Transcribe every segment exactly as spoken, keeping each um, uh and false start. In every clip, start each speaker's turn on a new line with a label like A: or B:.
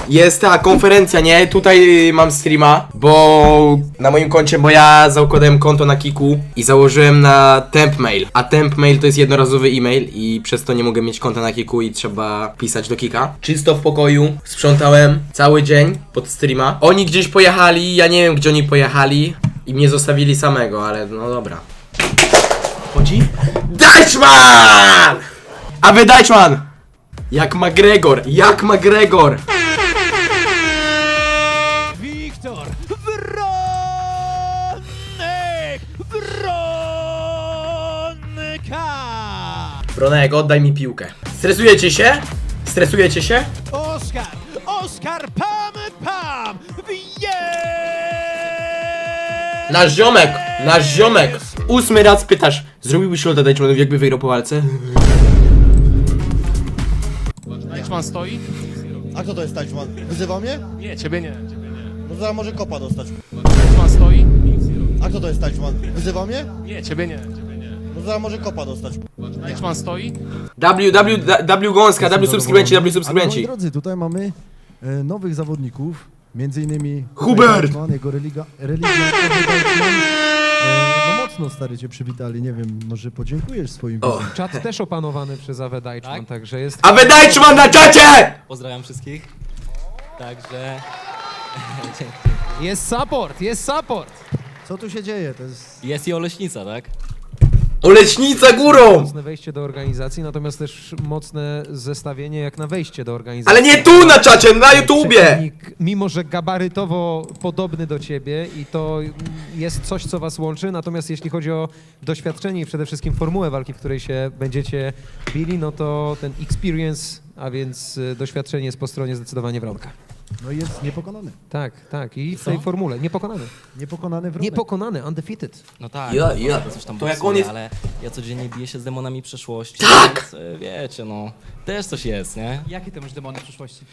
A: jest ta konferencja, nie? Tutaj mam streama, bo na moim koncie, bo ja zakładałem konto na Kiku i założyłem na Tempmail, a Tempmail to jest jednorazowy e-mail i przez to nie mogę mieć konta na Kiku i trzeba pisać do Kika. Czysto w pokoju, sprzątałem cały dzień pod streama. Oni gdzieś pojechali, ja nie wiem gdzie oni pojechali i mnie zostawili samego, ale no dobra. Chodzi? Deichmann! A wy Deichmann! Jak McGregor, jak McGregor!
B: Wiktor Wronek Wronka!
A: Bronek, oddaj mi piłkę. Stresujecie się? Stresujecie się?
B: Oskar! Oskar Pam Pam! Wje!
A: Nasz ziomek, nasz ziomek. Ósmy raz pytasz, zrobiłbyś lota Deichmannowi, jakby wygrał po walce?
C: Deichmann stoi?
D: A kto to jest Deichmann? Wyzywał mnie?
C: Nie, ciebie nie. Ciebie nie.
D: No zaraz może kopa dostać.
C: Deichmann stoi?
D: A kto to jest Deichmann? Wyzywał mnie?
C: Nie, ciebie nie. Ciebie nie.
D: No zaraz może kopa dostać.
C: Deichmann stoi?
A: W, W, W Gąska, W subskrybenci, W subskrybenci.
E: Moi drodzy, tutaj mamy e, nowych zawodników, między innymi
A: Hubert!
E: Deichmann, jego religa, religia, Deichmann. E, no mocno stary cię przywitali, nie wiem, może podziękujesz swoim
A: O.
E: widzom.
F: Czat też opanowany przez Awe Deichmann,
G: Tak?
F: także jest...
A: A wy Deichmann na czacie!
G: Pozdrawiam wszystkich. Także... Dzięki.
F: Jest support, jest support!
E: Co tu się dzieje? To jest...
G: Jest i Oleśnica, tak?
A: Oleśnica górą!
F: Mocne wejście do organizacji, natomiast też mocne zestawienie jak na wejście do organizacji.
A: Ale nie tu na czacie, na YouTubie!
F: Przeciwnik, mimo że gabarytowo podobny do ciebie i to jest coś, co was łączy, natomiast jeśli chodzi o doświadczenie i przede wszystkim formułę walki, w której się będziecie bili, no to ten experience, a więc y, doświadczenie jest po stronie zdecydowanie Wronka.
E: No i jest niepokonany.
F: Tak, tak. I w tej formule. Niepokonany.
E: Niepokonany wronek.
F: Niepokonany, undefeated.
G: No tak,
A: Ja,
G: no,
A: ja.
G: to coś tam
A: To jak
G: boksuje,
A: on jest-
G: ale ja codziennie biję się z demonami przeszłości.
A: Tak!
G: Więc, e, wiecie, no, też coś jest, nie?
H: Jakie ty masz demony w przyszłości?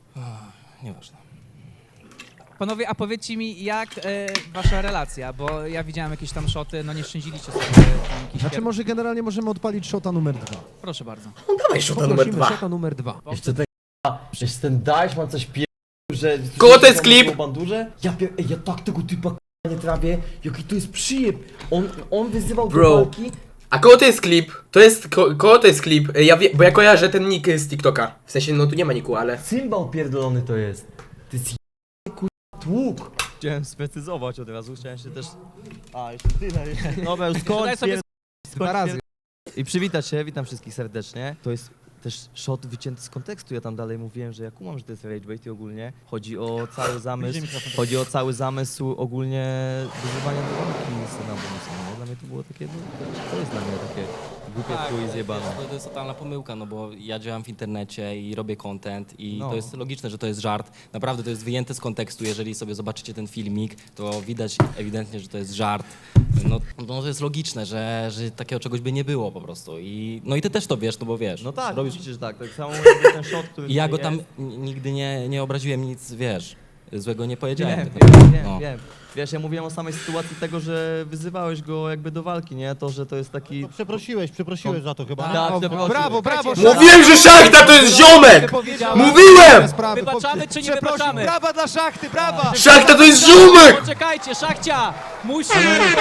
G: Nieważne.
H: Panowie, a powiedzcie mi, jak e, wasza relacja, bo ja widziałem jakieś tam szoty, no nie szczędziliście sobie tam jakiś
E: Znaczy
H: pier-
E: może generalnie możemy odpalić shota numer dwa.
H: Proszę bardzo.
A: No dawaj szota numer
F: Poprosimy
A: dwa.
F: szota numer dwa.
I: Jeszcze ten przecież ten Deichmann coś pie... że...
A: Kogo to jest klip?
I: Bandurze? Ja pier... Ej, ja tak tego typa k***a nie trawię, jaki to jest przyjeb. On, on wyzywał
A: Bro.
I: do walki.
A: A kogo to jest klip? To jest, ko, kogo to jest klip? Ja wie, bo ja kojarzę ten nick z TikToka. W sensie, no tu nie ma niku, ale...
I: Cymbał pierdolony to jest. To jest j***y k***a tłuk.
J: Chciałem sprecyzować od razu, chciałem się też... A, jeszcze tyle, jeszcze... Dobra, już skończ,
H: Daj sobie
J: pier...
F: Dwa razy.
J: I przywitać się, witam wszystkich serdecznie. To jest też shot wycięty z kontekstu, ja tam dalej mówiłem, że ja kumam, że to jest rage bait i ogólnie chodzi o cały zamysł, chodzi o cały zamysł ogólnie wyzywania do walki syna bonusa, nie? Dla mnie to było takie, no, to jest dla mnie takie głupie
G: Tak,
J: chuj
G: wiesz,
J: zjebane.
G: to, to jest totalna pomyłka, no bo ja działam w internecie i robię content i
J: No.
G: to jest logiczne, że to jest żart. Naprawdę to jest wyjęte z kontekstu, jeżeli sobie zobaczycie ten filmik, to widać ewidentnie, że to jest żart. No, no to jest logiczne, że, że takiego czegoś by nie było po prostu. I, no i ty też to wiesz, no bo wiesz.
J: No tak,
G: robisz...
J: oczywiście, że tak, tak samo jakby ten shot, który
G: I ja go
J: tutaj
G: tam
J: jest.
G: n- nigdy nie, nie obraziłem, nic, wiesz, złego nie powiedziałem.
J: Wiem,
G: tylko-
J: wiem, wiem,
G: no.
J: wiem. Wiesz, ja mówiłem o samej sytuacji tego, że wyzywałeś go jakby do walki, nie? To, że to jest taki...
D: No przeprosiłeś, przeprosiłeś za to chyba.
J: Tak,
F: O,
J: przeprosił.
F: brawo, brawo!
A: Mówiłem, że Szachta to jest ziomek! Mówiłem!
F: Sprawy,
H: Wybaczamy czy nie
F: Przeprosił,
H: wybaczamy?
F: brawa dla szachty, brawa!
A: Szachta to jest ziomek!
H: Poczekajcie, Szachcia! Musimy...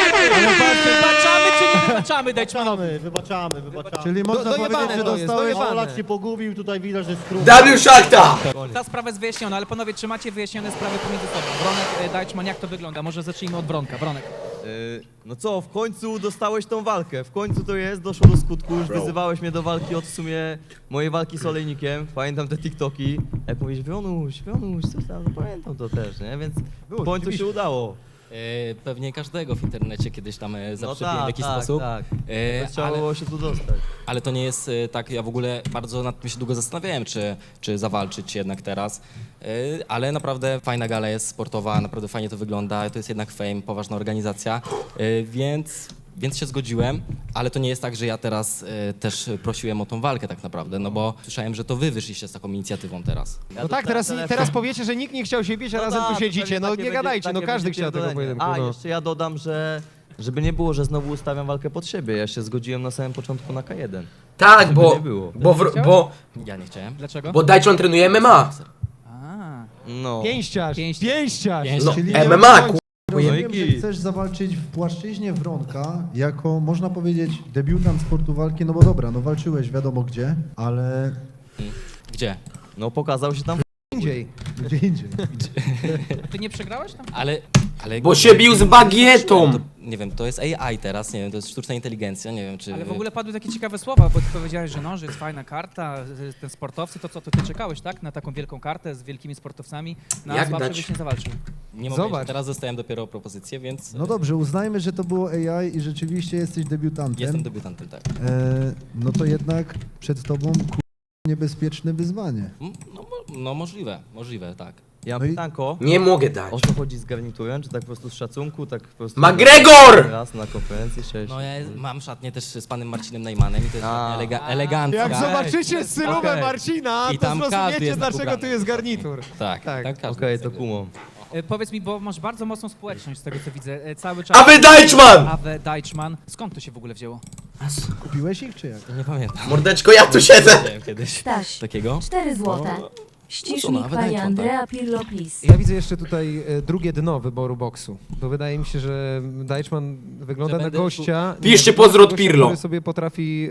H: Wybaczamy czy nie wybaczamy, Deichmannowi?
D: Wybaczamy, wybaczamy, wybaczamy.
E: Czyli można
F: dojebane
E: powiedzieć, że
F: to jest,
E: dostałeś...
F: dojebane.
D: Olak się pogubił, tutaj widać, że jest skrót.
A: W Szachta!
H: Ta sprawa jest wyjaśniona, ale panowie, czy macie wyjaśnione sprawy pomiędzy sobą? Wronek, e, Deichmann, jak to wygląda? Może zacznijmy od Wronka. Wronek.
J: Yy, no co, w końcu dostałeś tą walkę, w końcu to jest, doszło do skutku, już wyzywałeś mnie do walki od w sumie mojej walki z Olejnikiem, pamiętam te TikToki, jak mówisz, Wionuś, Wionuś, coś tam, no pamiętam to też, nie, więc w końcu się udało.
G: E, Pewnie każdego w internecie kiedyś tam e,
J: No
G: zaczepiłem w
J: tak,
G: jakiś
J: tak,
G: sposób.
J: tak,
G: E,
J: trzeba
G: ale,
J: było się tu dostać.
G: ale to nie jest e, tak, ja w ogóle bardzo nad tym się długo zastanawiałem, czy, czy zawalczyć jednak teraz. E, Ale naprawdę fajna gala jest sportowa, naprawdę fajnie to wygląda, to jest jednak Fame, poważna organizacja, e, więc... Więc się zgodziłem, ale to nie jest tak, że ja teraz e, też prosiłem o tą walkę tak naprawdę, no bo słyszałem, że to wy wyszliście z taką inicjatywą teraz.
F: No tak, teraz, teraz powiecie, że nikt nie chciał się bić, a razem
J: tak,
F: tu
J: to
F: siedzicie.
J: pewnie
F: No
J: takie
F: nie
J: będzie-
F: gadajcie, no
J: takie
F: każdy
J: będzie
F: chciał tego
J: pierdolenie.
F: pojedynku.
J: A,
F: No.
J: jeszcze ja dodam, że żeby nie było, że znowu ustawiam walkę pod siebie, ja się zgodziłem na samym początku na K jeden.
A: Tak,
J: Żeby
A: bo,
J: nie było.
A: bo, w, bo,
G: Ja nie chciałem.
H: Dlaczego?
A: bo Deichmann trenuje M M A.
H: A, A,
J: No.
F: Pięściarz,
H: Pięściarz.
F: pięściarz.
A: No,
E: Czyli
A: M M A, ku...
E: Rozumiem, że chcesz zawalczyć w płaszczyźnie Wronka jako, można powiedzieć, debiutant sportu walki, no bo dobra, no walczyłeś wiadomo gdzie, ale
G: Gdzie?
J: No pokazał się tam.
F: Indziej.
E: gdzie indziej.
H: ty nie przegrałeś tam?
G: Ale... ale
A: Bo się bił z bagietą!
G: To, nie wiem, to jest A I teraz, nie wiem, to jest sztuczna inteligencja, nie wiem czy...
H: Ale w ogóle padły takie ciekawe słowa, bo ty powiedziałeś, że no, że jest fajna karta, że ten sportowcy, to co, to ty czekałeś, tak? Na taką wielką kartę z wielkimi sportowcami, na
A: Jak
H: słabszy
A: dać?
H: byś nie zawalczył.
G: Nie mogę,
F: Zobacz.
G: teraz dostałem dopiero propozycję, więc
E: No dobrze, uznajmy, że to było A I i rzeczywiście jesteś debiutantem.
G: jestem debiutantem, tak.
E: E, no to jednak przed tobą ku... niebezpieczne wyzwanie.
G: Mm, No, mo- no możliwe, możliwe, tak.
J: Ja mam
E: No i-
J: pytanko.
A: Nie mogę dać.
J: O co chodzi z garniturem? Czy tak po prostu z szacunku, tak po prostu...
A: McGregor!
J: Raz na konferencji, cześć.
G: No ja mam szatnię też z panem Marcinem Najmanem i to jest
J: A.
G: elega elegancka.
F: Jak zobaczycie stylówę
G: Okej.
F: Marcina,
G: I
F: to
G: tam każdy
F: zrozumiecie,
G: jest
F: dlaczego
G: ubrany.
F: tu jest garnitur.
G: Tak,
F: Tak.
G: tak, każdy
J: Okej,
G: jest
J: to
G: jakby-
J: kumam.
H: E, powiedz mi, bo masz bardzo mocną społeczność z tego co widzę, e, cały czas...
A: Awe Deichmann!
H: Awe Deichmann. Skąd to się w ogóle wzięło?
E: Kupiłeś ich czy jak?
G: Nie pamiętam.
A: Mordeczko, ja tu siedzę!
G: Widziałem kiedyś
K: Staś,
G: takiego.
K: cztery złote.
G: No,
K: Ścisznik
G: nawet
K: pani
G: iPhone,
K: Andrea Pirlo, please.
F: Ja widzę jeszcze tutaj e, drugie dno wyboru boksu, bo wydaje mi się, że Deichmann wygląda
G: Że
F: na
G: będę
F: gościa...
A: Piszcie
F: nie, wygląda
A: pozdro
F: na
A: od
F: gościa,
A: Pirlo.
F: który sobie potrafi...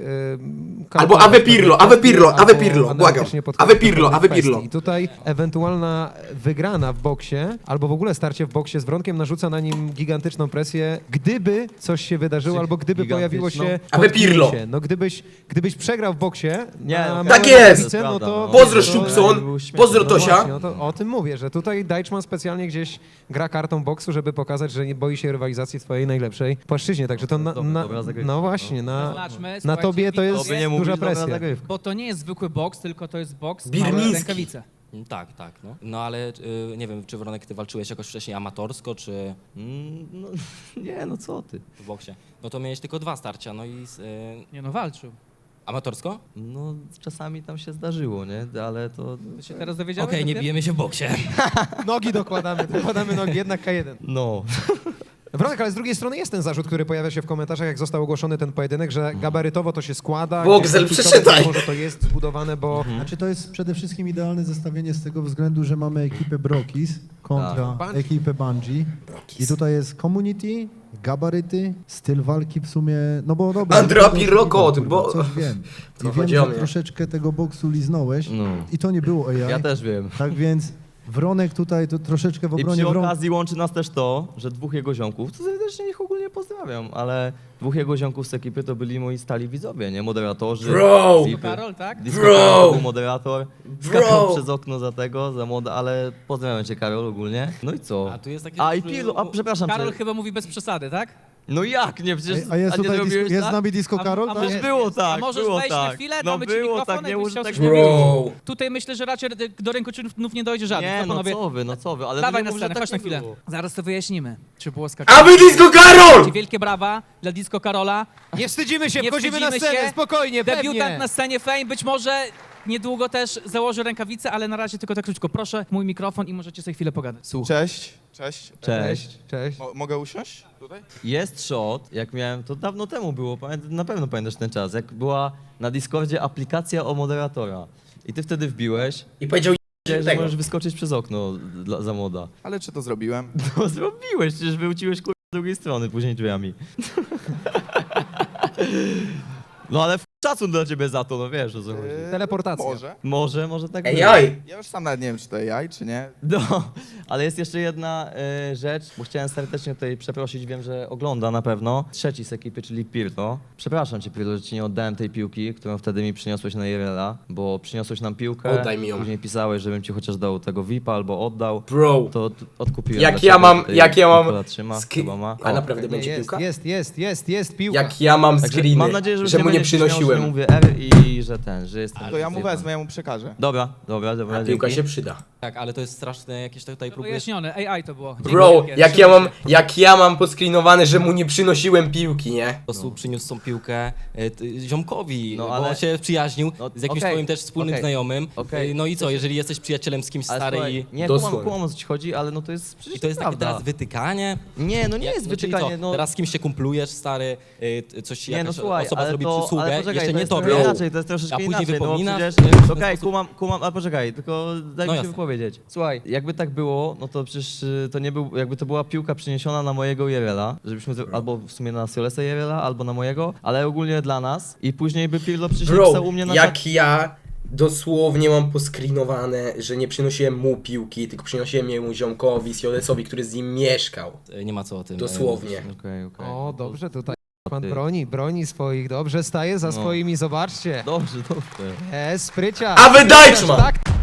F: E,
A: Albo
F: kalkulować
A: Awe Pirlo,
F: pewne
A: Awe Pirlo,
F: kwestie,
A: Awe
F: albo
A: Pirlo,
F: analitycznie
A: błagam.
F: podchodzić
A: Awe Pirlo,
F: do
A: Awe
F: pewnych
A: Pirlo.
F: kwestii. I tutaj ewentualna wygrana w boksie, albo w ogóle starcie w boksie z Wronkiem narzuca na nim gigantyczną presję, gdyby coś się wydarzyło,
J: Czy
F: albo gdyby pojawiło się...
J: gigantyczną?
A: Awe Pirlo.
F: potknięcie. No gdybyś, gdybyś przegrał w boksie...
J: Nie,
F: na
J: no,
F: małej
A: tak jest.
F: grafice, No to,
A: Pozdro,
F: to-
A: Szubson.
J: Był śmieszny.
A: Pozdro,
F: no
A: Tosia.
F: właśnie, no to o tym mówię, że tutaj Deichmann specjalnie gdzieś gra kartą boksu, żeby pokazać, że nie boi się rywalizacji w twojej najlepszej płaszczyźnie. Także to na,
J: Dobra,
F: na,
J: dobra zagrywka,
F: no
J: no.
F: właśnie, na,
H: Zaznaczmy,
F: na
H: słuchajcie,
F: tobie to jest
J: To by nie
F: duża
J: mówić, dobra
F: presja.
J: zagrywka.
H: Bo to nie jest zwykły boks, tylko to jest boks,
A: Birmiński.
H: małe rękawice.
G: Mm, Tak, tak, no. No ale y, nie wiem, czy Wronek, ty walczyłeś jakoś wcześniej amatorsko, czy
J: Mm, no, nie, no co ty.
G: w boksie? No to miałeś tylko dwa starcia, no i z, y,
H: Nie no, walczył.
G: amatorsko?
J: No czasami tam się zdarzyło, nie? Ale to...
H: To się teraz dowiedziałeś?
G: Okej, nie
H: dopiero?
G: bijemy się w boksie.
F: Nogi dokładamy, dokładamy nogi, jednak K jeden.
J: No.
F: Wronek, ale z drugiej strony jest ten zarzut, który pojawia się w komentarzach, jak został ogłoszony ten pojedynek, że gabarytowo to się składa.
A: Boxel,
F: gdzieś tam
A: przeczytaj.
F: Może to jest zbudowane, bo...
E: Znaczy to jest przede wszystkim idealne zestawienie z tego względu, że mamy ekipę Brokis kontra
F: Tak.
E: ekipę Bungie. I tutaj jest community, gabaryty, styl walki w sumie, no bo dobra.
A: Andrea
E: no to-
A: Pirlo kot,
E: kurwa,
A: bo-
E: Coś wiem.
A: To
E: I wiem,
A: chodzi o
E: że
A: mnie.
E: troszeczkę tego boksu liznąłeś
J: No.
E: i to nie było A I.
J: Ja też wiem.
E: Tak więc Wronek tutaj to troszeczkę w
J: I
E: obronie
J: przy
E: Wronka.
J: okazji łączy nas też to, że dwóch jego ziomków, to serdecznie ich ogólnie pozdrawiam, ale dwóch jego ziomków z ekipy to byli moi stali widzowie, nie? Moderatorzy.
A: Bro!
J: Vipy.
H: Karol, tak?
J: Disco
A: Bro!
J: Karol był moderator.
A: Bro!
J: Skakał przez okno za tego, za moda, ale pozdrawiam cię Karol ogólnie. No i co?
G: A tu jest takie...
J: A i Pirlo, a przepraszam
H: Karol
J: cię.
H: chyba mówi bez przesady, tak?
J: No jak? Nie, przecież...
E: A jest
J: a nie
E: tutaj
J: zrobiłeś
E: dis- jest z
J: tak?
E: nami Disco
H: A-
E: Karol?
H: a
E: tak?
J: Przecież było tak,
H: A możesz
J: było
H: wejść na
J: tak.
H: chwilę,
J: No
H: damy ci
J: było
H: mikrofon,
J: tak, nie
H: jakbyś
J: może
H: chciał
J: tak
H: coś
J: nie
H: powiedzieć.
J: było.
A: Bro!
H: Tutaj myślę, że raczej do rękoczynów nie dojdzie żadnych.
J: Nie,
H: to
J: no
H: panowie,
J: co wy, no co wy, ale
H: dawaj
J: no
H: na
J: nie mów, że
H: scenę,
J: tak
H: chodź na
J: nie
H: chwilę.
J: było.
H: Zaraz to wyjaśnimy, czy było skakanie.
A: Awe Disco Karol!
H: Wielkie brawa dla Disco Karola.
F: Nie wstydzimy się,
H: Nie
F: wchodzimy na
H: wstydzimy
F: scenę,
H: się.
F: spokojnie,
H: Debiutant
F: pewnie.
H: na scenie Fame, być może niedługo też założy rękawice, ale na razie tylko tak krótko. Proszę, mój mikrofon i możecie sobie chwilę pogadać. Słuchaj.
L: Cześć, cześć.
J: Cześć.
F: Cześć.
L: Mo- mogę usiąść tutaj?
J: Jest shot, jak miałem, to dawno temu było, pamię- na pewno pamiętasz ten czas, jak była na Discordzie aplikacja o moderatora. I ty wtedy wbiłeś,
A: I powiedział
J: że
A: tego.
J: możesz wyskoczyć przez okno dla, za moda.
L: Ale czy to zrobiłem?
J: No zrobiłeś, przecież wyłciłeś kurwa z drugiej strony, później drzwiami. No ale w szacun dla ciebie za to, no wiesz o co chodzi.
L: Eee,
F: Teleportacja.
L: Może.
J: Może, może tak być.
A: Ej, oj!
L: Ja już sam nawet nie wiem, czy to A I, czy nie.
J: No, ale jest jeszcze jedna e, rzecz, bo chciałem serdecznie tutaj przeprosić, wiem, że ogląda na pewno. Trzeci z ekipy, czyli Pirlo. Przepraszam cię, Pirlo, że ci nie oddałem tej piłki, którą wtedy mi przyniosłeś na I R L-a, bo przyniosłeś nam piłkę.
A: Oddaj mi ją.
J: Później pisałeś, żebym ci chociaż dał tego V I P-a albo oddał.
A: Bro!
J: To od- odkupiłem.
A: Jak
J: dla
A: ja
J: ciebie,
A: mam-
J: tutaj
A: jak ja mam
J: Nikola Trzyma,
A: ski-
J: chyba ma.
A: A
J: O,
A: naprawdę
F: Nie,
A: będzie
F: jest,
A: piłka?
F: jest, jest, jest, jest piłka.
A: Jak ja mam
J: Także
A: screeny,
J: mam nadzieję, że,
A: że
J: już
A: mu nie
J: będziesz śmiał, że
A: przynosiłem.
J: nie mówię R i że ten, że jestem.
L: To ja mu
J: zjebany.
L: wezmę, ja mu przekażę.
J: Dobra, dobra, dobra.
A: A piłka
J: dzięki.
A: się przyda.
G: Tak, ale to jest straszne, jakieś tutaj próbujesz...
H: Wyjaśnione, A I to było.
A: Bro,
H: Dzięki wielkie,
A: jak ja
H: trzymaj
A: mam,
H: się.
A: jak ja mam poscreenowane, że mu nie przynosiłem piłki, nie?
G: Po prostu przyniósł tą piłkę e, t- ziomkowi,
J: No,
G: bo
J: ale-
G: on się przyjaźnił
J: No,
G: z jakimś
J: okej,
G: twoim też wspólnym
J: okej,
G: znajomym.
J: okej.
G: E, No i co, jeżeli jesteś przyjacielem z kimś
J: Ale
G: stary
J: słuchaj,
G: i...
J: nie,
A: Dosłownie.
J: kumam, kumam o co ci chodzi, ale no to jest przecież
G: I to jest takie
J: prawda.
G: teraz wytykanie?
J: Nie, no nie
G: Jak-
J: jest
G: no, czyli
J: wytykanie,
G: co,
J: no.
G: Teraz z kimś się kumplujesz, stary, y, t- coś
J: Nie, no
G: jakaś
J: słuchaj,
G: osoba
J: ale
G: zrobi
J: to-
G: przysługę,
J: ale poczekaj,
G: jeszcze nie
J: jest
G: tobie.
J: trochę inaczej, to jest
G: A
J: troszeczkę
G: później
J: inaczej, no bo
G: wypominasz,
J: przecież...
G: nie? W ten
J: Okej,
G: sposób-
J: kumam, kumam, a poczekaj, tylko daj
G: No
J: mi się
G: jasne.
J: wypowiedzieć. Słuchaj, jakby tak było, no to przecież y, to nie był, jakby to była piłka przeniesiona na mojego Jerela, żebyśmy, zro- albo w sumie na Solesa Jerela, albo na mojego, ale ogólnie dla nas i później by Pirlo przyszedł
A: Bro,
J: u mnie na
A: jak ja dosłownie mam poskrinowane, że nie przynosiłem mu piłki, tylko przynosiłem jemu ziomkowi, Siolesowi, który z nim mieszkał.
G: Nie ma co o tym.
A: Dosłownie.
J: Okej, okej.
F: O, dobrze, tutaj pan
J: Ty.
F: broni, broni swoich, dobrze, staje za
J: No.
F: swoimi, zobaczcie.
J: Dobrze, dobrze.
F: E, sprycia.
A: A wy Deichmann!
F: Tak,